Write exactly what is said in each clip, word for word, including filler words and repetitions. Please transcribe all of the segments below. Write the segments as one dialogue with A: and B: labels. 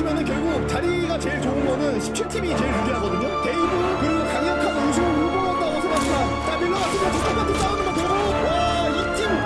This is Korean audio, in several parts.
A: 있으면은 결국 자리가 제일 좋은 거는 십칠 팀이 제일 유리하거든요. 데이브 그리고 강력한 우승 후보였다고 생각합니다. 자 밀러 같은 경우 똑같은 싸우는 거 보고 와이 팀.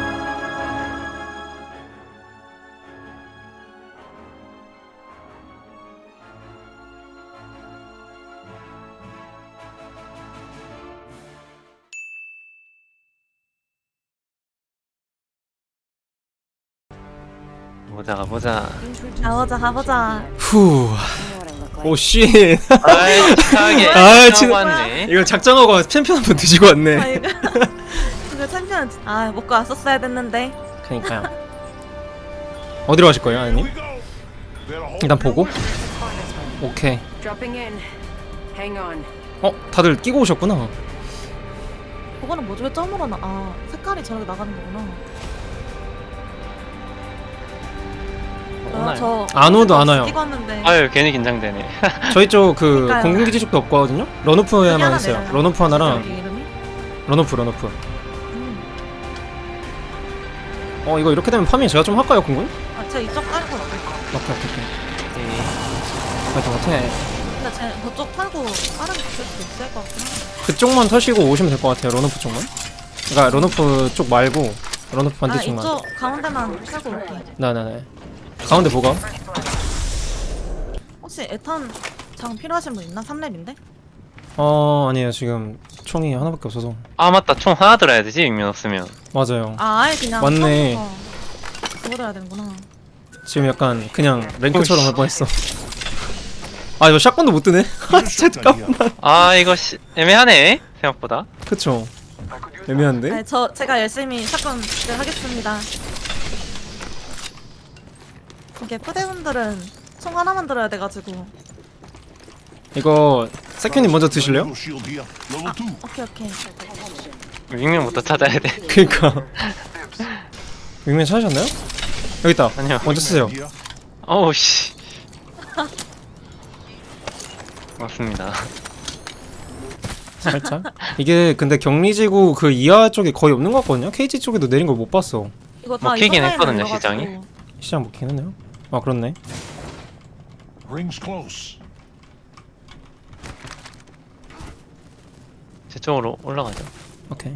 B: 보자 가보자.
C: 가보자 가보자.
D: 후. 오 씨.
B: 아이 착하게
D: 아,
B: 치고
D: 진짜.
B: 왔네.
D: 이거 작정하고 챔피언 한번 드시고
C: 아
D: 왔네.
C: 이거 이거 챔피언 아 먹고 왔었어야 됐는데.
D: 그러니까요. 어디로 가실 거예요, 아님? 일단 보고. 오케이.
E: Dropping in. Hang on.
D: 어, 다들 끼고 오셨구나.
C: 그거는 뭐 중에 점으로 나. 아 색깔이 저렇게 나가는 거구나. 아,
B: 오나요?
C: 저
D: 안 오도 안 와요.
C: 끼고 왔는데.
B: 아유 괜히 긴장되네.
D: 저희 쪽 그
C: 그러니까요.
D: 공군기지 쪽도 없거든요.
C: 여기
D: 런오프에만
C: 하나
D: 있어요.
C: 내려요.
D: 런오프 하나랑
C: 여기 이름이?
D: 런오프 런오프.
C: 음.
D: 어, 이거 이렇게 되면 파밍 제가 좀 할까요, 공군?
C: 아 제가 이쪽 깔고 나갈까?
D: 오케이 오케이 오케이.
B: 네.
D: 파이팅 파이팅.
C: 근데 제 저쪽 팔고 다른 거 쓸 수도 있을 것 같긴 한데.
D: 그쪽만 터시고 오시면 될 것 같아요. 런오프 쪽만. 그러니까 런오프 쪽 말고 런오프
C: 아
D: 반대쪽만.
C: 이쪽 가운데만 팔고 올게.
D: 네네네. 가운데 뭐가?
C: 혹시 에탄 장 필요하신 분 있나? 삼 렙인데?
D: 어, 아니에요. 지금 총이 하나밖에 없어서.
B: 아 맞다 총 하나 들어야 되지 익명 없으면.
D: 맞아요.
C: 아 아예 그냥
D: 맞네.
C: 처음부터 그거 들어야 되는구나.
D: 지금 약간 그냥 랭크처럼 할 뻔했어. 아, 이거 샷건도 못 뜨네. 아, 진짜 잠깐만.
B: 아 이거 시, 애매하네 생각보다.
D: 그쵸. 애매한데?
C: 네, 저 제가 열심히 사건 하겠습니다. 이게 푸대분들은 총 하나만 들어야 돼가지고.
D: 이거 세큐님 먼저 드실래요?
C: 아, 오케이 오케이.
B: 익명부터 찾아야 돼.
D: 그니까. 윙맨 찾으셨나요? 여기 있다.
B: 아니요.
D: 먼저 쓰세요.
B: 어우 씨. 맞습니다.
D: 살짝. 이게 근데 격리지구 그 이하 쪽에 거의 없는 것 같거든요? 케이지 쪽에도 내린 걸 못 봤어.
C: 이거 다
B: 먹히긴
C: 이번
B: 했거든요,
C: 라인으로
B: 시장이.
C: 열어가지고.
D: 시장 먹긴 했네요. 아, 그렇네.
F: Rings close.
B: 제 쪽으로 올라가죠.
D: 오케이.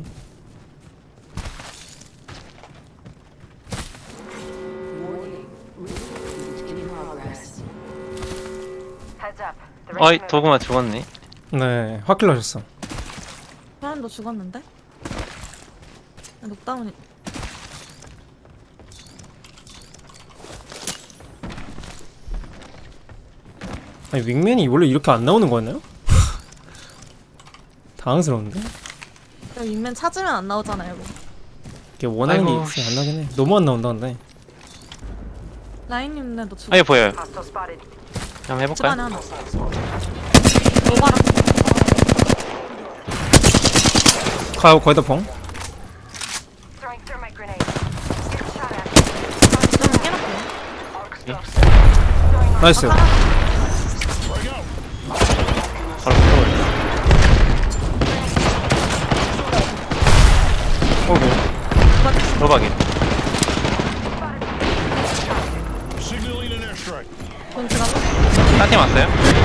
E: Heads up. The
B: 어이
E: ring's
B: 도구마 죽었네.
D: 네, 확킬러 하셨어.
C: 사람도 죽었는데? 아, 녹다운이.
D: 아니, 윙맨이 원래 이렇게 안 나오는 거였나요? 당황스러운데?
C: 윗맨 찾으면 안 나오잖아요. 이거.
D: 이게 원하는
B: 아이고,
D: 게 안 나긴 해. 너무 안 나온다, 근데.
C: 라인님네도 죽.
B: 아예 보여요.
E: hostile spotted.
B: 한번
C: 집 안에
B: 해볼까요?
C: 하나. 오바라.
D: 가요, 거의 다 펑.
E: Throwing thermite grenade. Get shot at.
C: 좀 깨놓고.
D: 나이스.
B: 바로 들어올려.
D: 어구.
B: 로박이.
F: Signaling an airstrike.
C: 돈 지나고.
B: 딴팀 왔어요?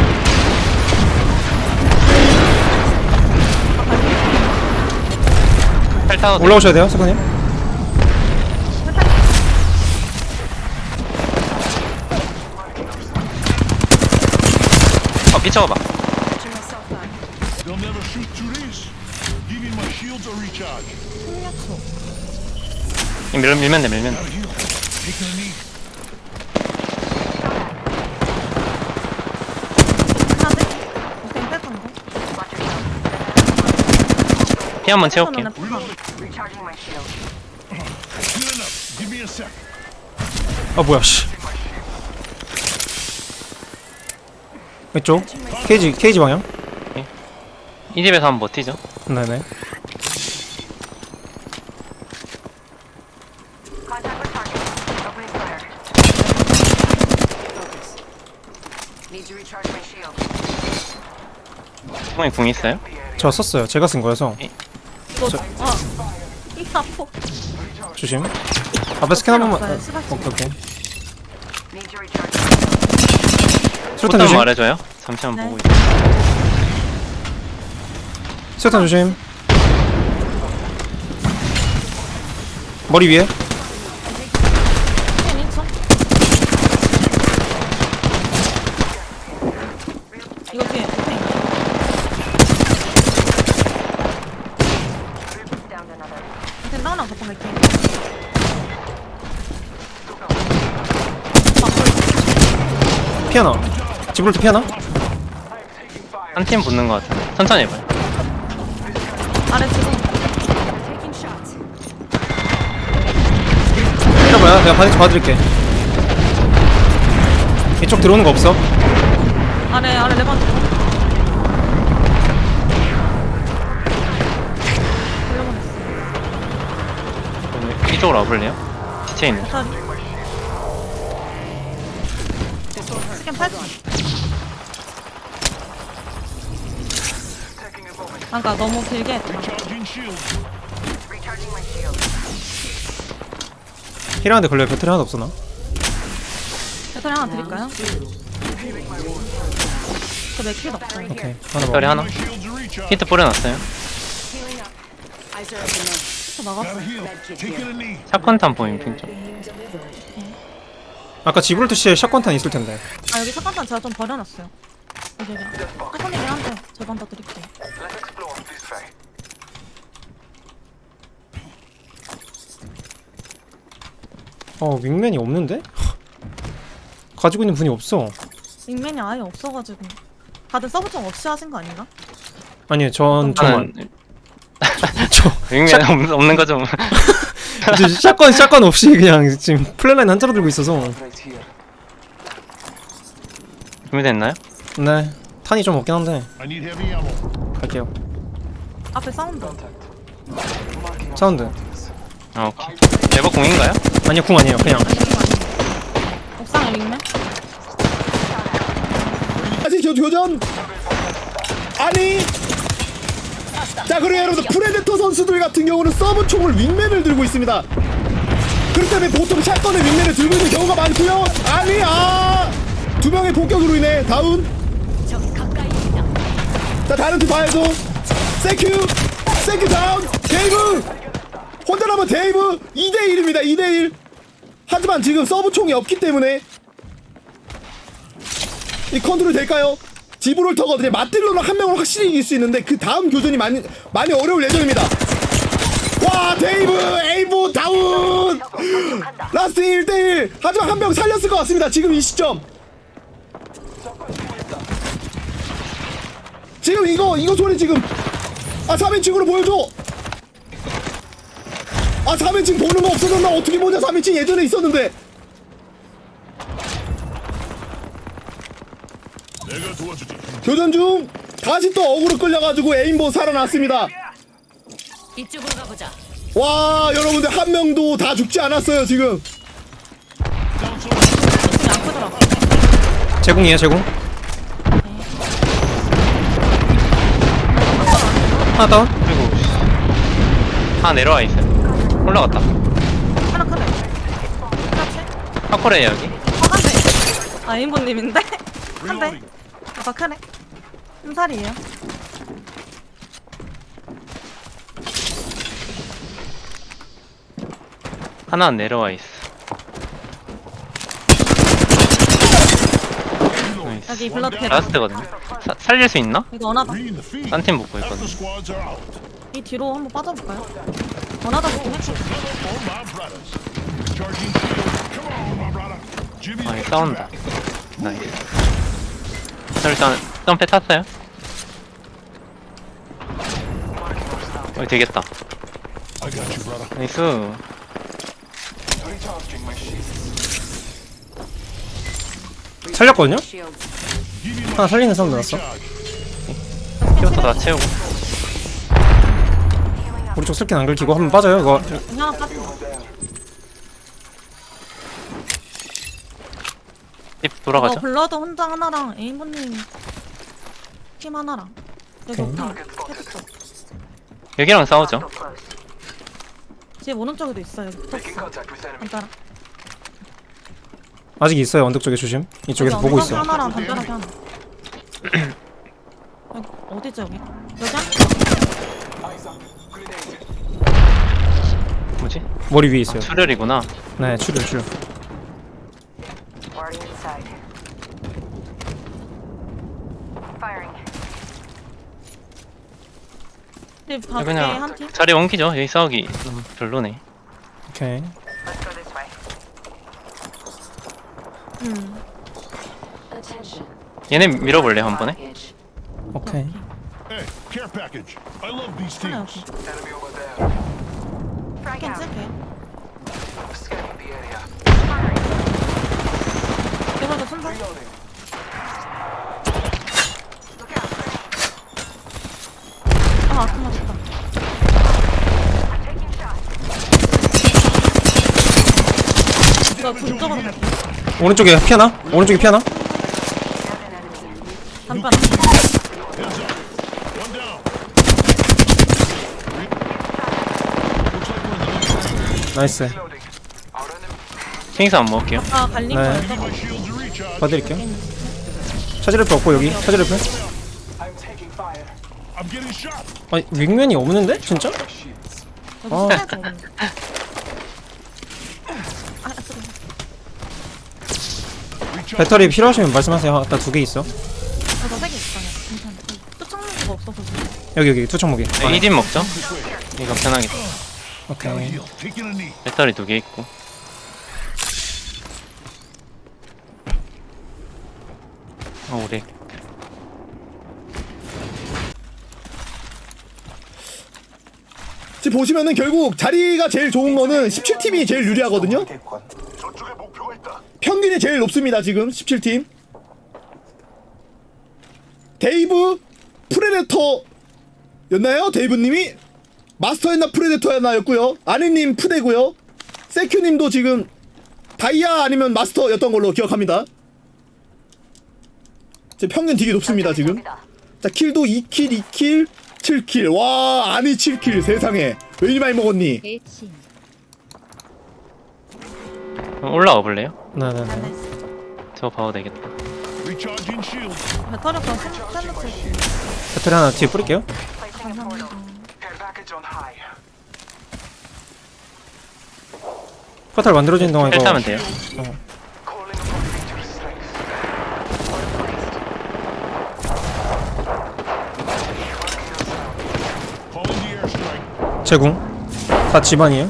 B: 펠 타도 돼.
D: 올라오셔야 돼요, 세컨님.
B: 어 끼쳐봐.
F: They'll never shoot through these. Giving my shields a recharge.
C: 생략초.
B: 이 밀, 밀면 돼 밀면 돼.
F: Gotta heal. Taking a knee.
C: 하드. 오케이 뺐던 거.
B: 피 한번 채울게.
C: 손은 F.
E: Recharging my shield.
F: Good enough. Give me a sec.
D: 아, 뭐야, 씨. 이쪽. 케이지, 케이지 방향.
B: 이 집에서 한번 버티죠.
D: 네네.
E: Contact with target. Opening fire. Focus. Need to recharge my shield.
B: 형이 궁 있어요?
D: 저 썼어요. 제가 쓴 거여서.
C: 이거. 아. 이 아포.
D: 조심. 앞에 스캔 한 번만.
C: 없어요, 스바치.
D: 오케이, 오케이.
E: Need to recharge.
D: 수류탄
B: 포탄
D: 조심.
B: 말해줘요. 잠시만
C: 네.
B: 보고 있어.
D: 수류탄 조심. 머리 위에.
C: 피해 있어? 이거 뒤에 피해 있네.
E: Down to another.
C: 일단 나랑 갔다 갈게.
D: 피하나. 지브롤트 피하나?
B: 한 팀 붙는 것 같아. 천천히 해봐요.
C: 아래 지금
D: 때려봐요. 내가 반대쪽 봐드릴게. 이쪽 들어오는 거 없어?
C: 아래 아래 레반드. 걸려버렸어.
B: 이쪽으로 와볼래요? 시체 있는.
C: 배터리. 스캔 팔. 아까 너무 길게 했다.
F: Recharging shields.
E: Recharging my shield.
D: 힐하는데 걸려. 배터리 하나도 없어 나.
C: 배터리 하나 드릴까요? 저 맥힐 없어요.
D: 오케이. 하나
B: 배터리
D: 먹어.
B: 하나.
F: My shields are recharged.
B: 히트 뿌려놨어요.
C: 저 나갔어.
F: Gotta heal. Taking a knee.
B: 샷건탄 보임 핑 쪽.
D: 아까 지브롤트 씨에 샷건탄 있을 텐데.
C: 아 여기 샷건탄 제가 좀 버려놨어요. 여기 여기. 샷건이긴 한데 절반 더 드릴게요.
D: 어 윙맨이 없는데? 가지고 있는 분이 없어.
C: 윙맨이 아예 없어가지고. 다들 서브총 없이 하신 거 아닌가?
D: 아니 전 저만.
B: 저는
D: 저
B: 윙맨 없- 없는 거 좀.
D: 저 샷건 샷건 없이 그냥 지금 플랫라인 한자로 들고 있어서.
B: 준비됐나요?
D: 네. 탄이 좀 없긴 한데
F: I need heavy ammo.
D: 갈게요.
C: 앞에 사운드.
D: 사운드.
B: 아 오케이. 레버 공인가요?
D: 아니요 궁 아니에요. 그냥.
C: 옥상에 윙맨?
A: 다시 교, 교전. 아니. 자 그리고 여러분들 프레데터 선수들 같은 경우는 서브 총을 윙맨을 들고 있습니다. 그렇기 때문에 보통 샷건에 윙맨을 들고 있는 경우가 많고요. 아니 아두 명의 폭격으로 인해 다운. 자 다른 팀 봐야죠. 세큐 세큐 다운. 데이브 혼자 남은 데이브 이 대 일입니다. 이 대 일. 하지만 지금 서브 총이 없기 때문에 이 컨트롤 될까요? 지브롤터거든요. 맞들로는 한 명을 확실히 이길 수 있는데 그 다음 교전이 많이 많이 어려울 예정입니다. 와 데이브 에이브 다운. 라스트 일 대 일. 하지만 한 명 살렸을 것 같습니다. 지금 이 시점. 지금 이거 이거 소리 지금 아 삼 인칭으로 보여줘. 아 삼 인칭 보는 거 없어졌나? 어떻게 보냐. 삼 인칭 예전에 있었는데.
F: 내가 도와주지.
A: 교전 중 다시 또 어그로 끌려가지고 에임보 살아났습니다.
E: 이쪽으로 가보자.
A: 와 여러분들 한 명도 다 죽지 않았어요 지금.
F: Down so.
C: 옥상이 안 크더라고.
D: 제공이에요 제공. 하나 다운.
B: 그리고 하나 내려와 있어요. 올라갔다.
C: 하나 크네. 그렇지?
B: 파코레 여기.
C: 어, 한 대. 아, 인보님인데? 한 대. 아까 크네. 흠살이에요.
B: 하나 내려와 있어. 나이스.
C: 여기 블러드 캐
B: 라스트거든요. 사, 살릴 수 있나?
C: 이거 원하다.
F: Green the feed.
B: 딴 팀 먹고
F: Half the
B: 있거든.
F: squads are out.
C: 이 뒤로 한번 빠져볼까요? 원하다 보긴 했어.
F: All my brothers. Charging shields. Come on, my brother. Jimmy,
B: 아,
F: get
B: 싸운다.
F: back.
B: 나이스. 저 일단 점프 탔어요. 어, 되겠다.
F: I got you, brother.
B: 나이스.
D: 살렸거든요?
E: Shields.
F: Give me my
D: 하나 살리는 사운드 났어.
F: charge.
B: 키워서 다 채우고.
D: 우리 쪽 슬킨 안 긁히고 한번 빠져요 이거.
C: 여기 하나 빠져.
B: 집
C: 이거
B: 돌아가죠.
C: 블러드 혼자 하나랑 에인보님 팀 하나랑. 여기
D: 오케이.
C: 옥상 해줬어.
B: 여기랑 싸우죠.
C: 집 오른쪽에도 있어요. 붙었어. 간단하.
D: 아직 있어요. 언덕 쪽에 조심. 이쪽에서 보고 있어.
C: 하나랑 담벼락이 하나. 여기, 어디지 여기? 여기 한?
B: 뭐지?
D: 머리 위에 있어요.
B: 출혈이구나.
D: 네, 출혈 출혈.
E: Already inside. Firing.
C: 집 밖에
B: 그냥
C: 한 팀?
B: 자리 옮기죠. 여기 싸우기 너무 별로네.
D: 오케이.
E: Let's go this way.
C: 음.
B: 얘네 밀어볼래 한 번에?
D: 오케이.
F: Hey, care package. I love these
C: 하나
F: teams.
C: 여기.
E: Frag
C: 캔
E: out.
C: 쓸게. 이거도 순서? 아, 아픈 맞았다. 이거 굴쪽으로 갈게.
D: 오른쪽에 피하나? 오른쪽에 피하나?
C: 담벼락.
F: Heads up. One down. Looks like we're in the middle.
D: 나이스.
B: 킹스 안 먹을게요.
C: 아, 갈린
D: 네.
C: 거였어.
F: Need my shield to recharge.
D: 봐드릴게요. 차지를 없고 여기 차지를 표.
F: I'm getting shot.
D: 아니 윙맨이 없는데? 진짜?
C: 여기
D: 아.
C: 스나이퍼 없는데. 아, 쓰리.
F: Recharge.
D: 배터리 필요하시면 말씀하세요. 아까 두 개 있어.
C: 저도 세개 있어요. 괜찮아. 또 찾는 수가 없어서 지금.
D: 여기 여기 투척무기.
B: 네, 이집 먹죠. 이거 편하겠다.
D: 오케이.
F: Heal. Taking a knee.
B: 배터리 두 개 있고. 어 우리
A: 지금 보시면은 결국 자리가 제일 좋은 거는 십칠 팀이 제일 유리하거든요.
F: 저쪽에 목표가 있다.
A: 평균이 제일 높습니다. 지금 십칠 팀. 데이브 프레데터였나요? 데이브님이 마스터였나 프레데터였나였고요. 아니님 푸대고요. 세큐님도 지금 다이아 아니면 마스터였던 걸로 기억합니다. 제 평균 되게 높습니다 지금. 자 킬도 이 킬, 이 킬, 칠 킬. 와 아니 칠 킬 세상에 왜 이리 많이 먹었니?
B: 그럼 올라와 볼래요?
D: 네네네.
B: 저거 봐도 되겠다.
F: Recharging shield.
C: 배터리 없어. 샌드위치.
D: 배터리 하나 뒤에 뿌릴게요.
E: Placing a portal.
D: 포탈 만들어지는 동안
B: 헬
D: 이거
B: 타면 돼요.
F: Calling the airstrike.
D: 제궁. 다 집안이에요.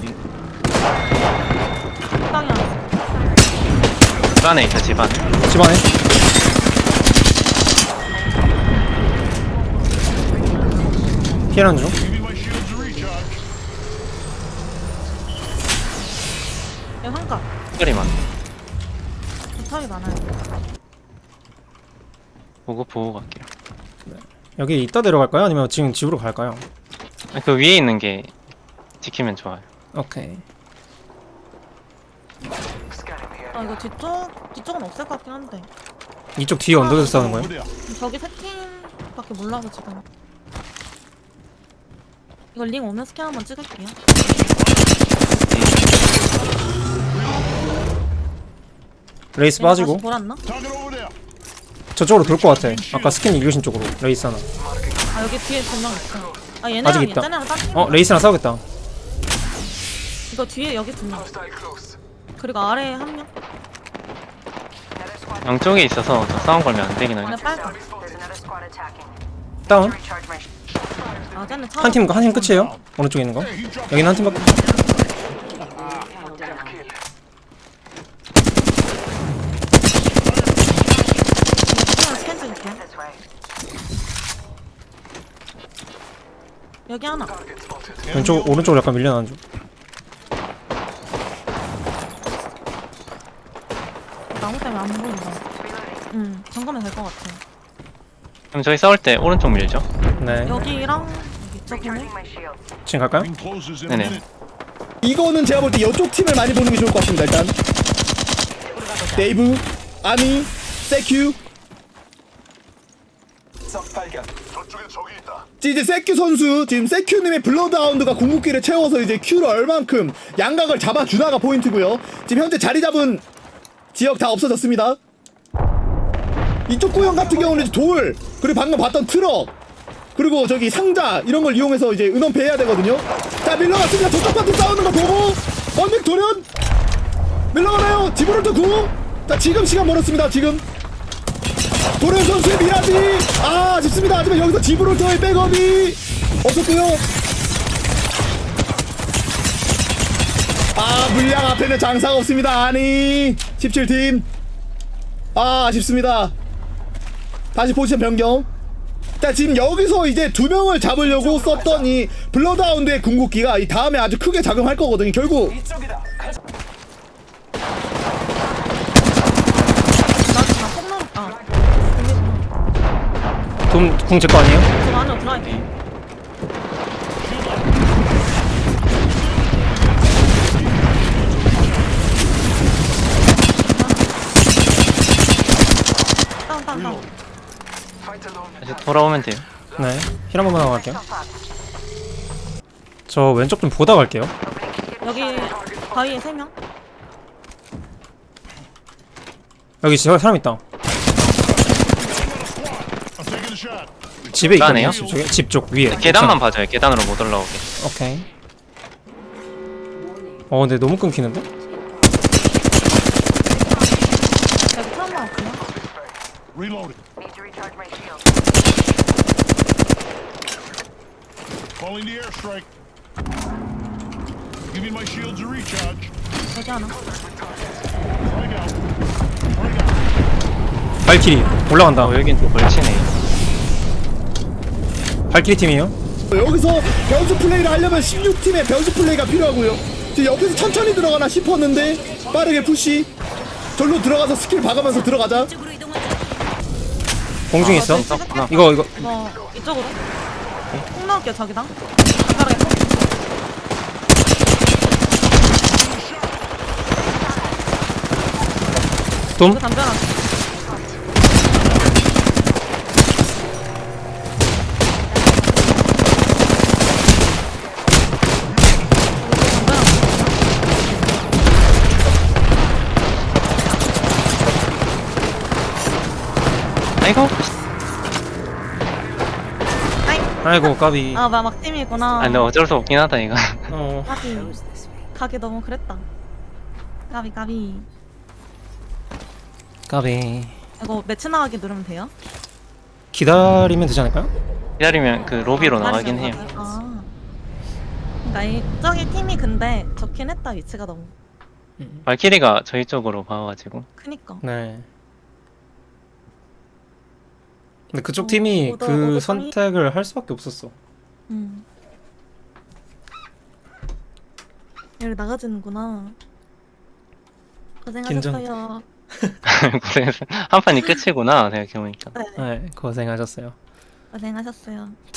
C: 땅이 안 돼.
B: 집안에 있어 집안.
D: 집안에. 피해란 중.
F: Giving my shield to recharge.
C: 여기 한가.
B: 소리만.
C: 배터리 많아요.
B: 보고 보고 갈게요.
D: 여기 이따 내려갈까요? 아니면 지금 집으로 갈까요?
B: 아, 그 위에 있는 게 지키면 좋아요.
D: 오케이.
C: 아, 이거 뒤쪽, 뒤쪽은 없을 것 같긴 한데.
D: 이쪽 뒤에 언덕에서 싸우는 거예요?
F: Over there.
C: 저기 세 팀밖에 몰라서 지금. 이거 링 오면 스캔 한번 찍을게요.
D: 레이스
C: 얘네
D: 빠지고
C: 다시 돌았나?
F: Target over there.
D: 저쪽으로 돌 것 같아. 아까 스킨 읽으신 쪽으로 레이스 하나.
C: 아, 여기 뒤에 두 명 있어. 아, 얘네랑
D: 아직 있다.
C: 얘네랑 딴 팀.
D: 어 레이스랑 싸우겠다.
C: 이거 뒤에 여기 두 명. 그리고 아래에 한 명.
B: 양쪽에 있어서 저 싸움 걸면 안 되긴
C: 얘네
B: 하죠.
C: 빨간.
E: There's another squad attacking.
D: 다운.
E: Recharge my shield.
C: 아, 쟤네 차.
D: 한 팀 한 팀 끝이에요. 오른쪽에 있는 거.
F: Hey, he dropped.
D: 여기는 한 팀밖에.
C: 스캔 찍을게요.
E: This way.
C: 여기 하나.
D: 왼쪽 오른쪽으로 약간 밀려나는 중.
C: 나무 때문에 안 보인다. 응, 잠깐만 될 것 같아.
B: 그럼 저희 싸울 때 오른쪽 밀죠.
D: 네.
C: 여기랑 여기 저기는
E: Recharging my shield.
D: 지금 갈까요?
F: Ring closes in a
B: 네네.
F: minute.
A: 이거는 제가 볼 때 이쪽 팀을 많이 보는 게 좋을 것 같습니다. 일단 데이브, 아니, 세큐.
F: 저쪽에 적이 있다.
A: 이제 세큐 선수 지금 세큐님의 블러드하운드가 궁극기를 채워서 이제 큐를 얼만큼 양각을 잡아주나가 포인트고요. 지금 현재 자리 잡은 지역 다 없어졌습니다. 이쪽 구역 같은 경우는 이제 돌, 그리고 방금 봤던 트럭, 그리고 저기 상자 이런 걸 이용해서 이제 은원 배해야 되거든요. 자, 밀러갔습니다. 저쪽 파트 싸우는 거 보고 원백 돌연 밀러가나요? 지브롤터 구. 자, 지금 시간 멀었습니다. 지금 도련 선수의 미라지 아 아쉽습니다. 하지만 여기서 지브롤터의 백업이 없었고요. 아, 물량 앞에는 장사가 없습니다. 아니 십칠 팀 아 아쉽습니다. 다시 포지션 변경. 자, 지금 여기서 이제 두 명을 잡으려고 썼던 이 블러드하운드의 궁극기가 이 다음에 아주 크게 작용할 거거든요. 결국
C: 나다 콩나물. 아.
D: 돔궁 제 거 아니에요?
C: 좀 안으로 들어갈게. 다운 다운 다운.
B: 이제 돌아오면 돼요.
D: 네. 힐 한 번만 하고 갈게요. 저 왼쪽 좀 보다 갈게요.
C: 여기 바위에 세 명.
D: 여기 저 사람 있다.
F: I'm taking a shot.
D: 집에 있거든요.
B: 나네요?
D: 집 쪽에 집 쪽 위에.
B: 계단만 봐줘요. 계단으로 못 올라오게.
D: 오케이. 어 근데 너무 끊기는데?
C: 여기 트라우마 없구나.
F: Reloading.
E: Need to recharge my shield.
F: Calling the airstrike. Giving my shields a recharge.
C: 여기 하나.
F: Frag out. Frag out.
D: 발키리 올라간다.
B: 어, 여긴 또 걸치네.
D: 발키리 팀이에요.
A: 여기서 변수 플레이를 하려면 십육 팀의 변수 플레이가 필요하고요. 지금 옆에서 천천히 들어가나 싶었는데 빠르게 푸시. 절로 들어가서 스킬 박으면서 들어가자.
D: 공중에 있어.
C: 아, 저기 찍을게.
D: 이거 이거
C: 뭐 이쪽으로. 콩 넣을게요 저기다. 간단하게 콩.
D: 돔.
C: 이거 담벼락.
B: 아이고.
D: 아이고 까비.
C: 아, 막 팀이구나.
B: 아, 근데 어쩔 수 없긴 하다 이거.
D: 어.
C: 까비. 가기 너무 그랬다. 까비 까비.
D: 까비.
C: 이거 매치 나가기 누르면 돼요?
D: 기다리면 되지 않을까요?
B: 기다리면 그 로비로
C: 아,
B: 나가긴
C: 기다리면
B: 해요.
C: 나가요? 아. 그러니까 이 저기 팀이 근데 적긴 했다 위치가 너무.
B: 발키리가 저희 쪽으로 봐가지고.
C: 크니까.
D: 네. 근데 그쪽 팀이
C: 오더-
D: 그
C: 오더
D: 선택을 할 수밖에 없었어.
C: 음. 여기 나가지는구나. 고생하셨어요.
B: 고생했어. 한 판이 끝이구나 생각해보니까.
C: 네,
D: 네, 고생하셨어요.
C: 고생하셨어요.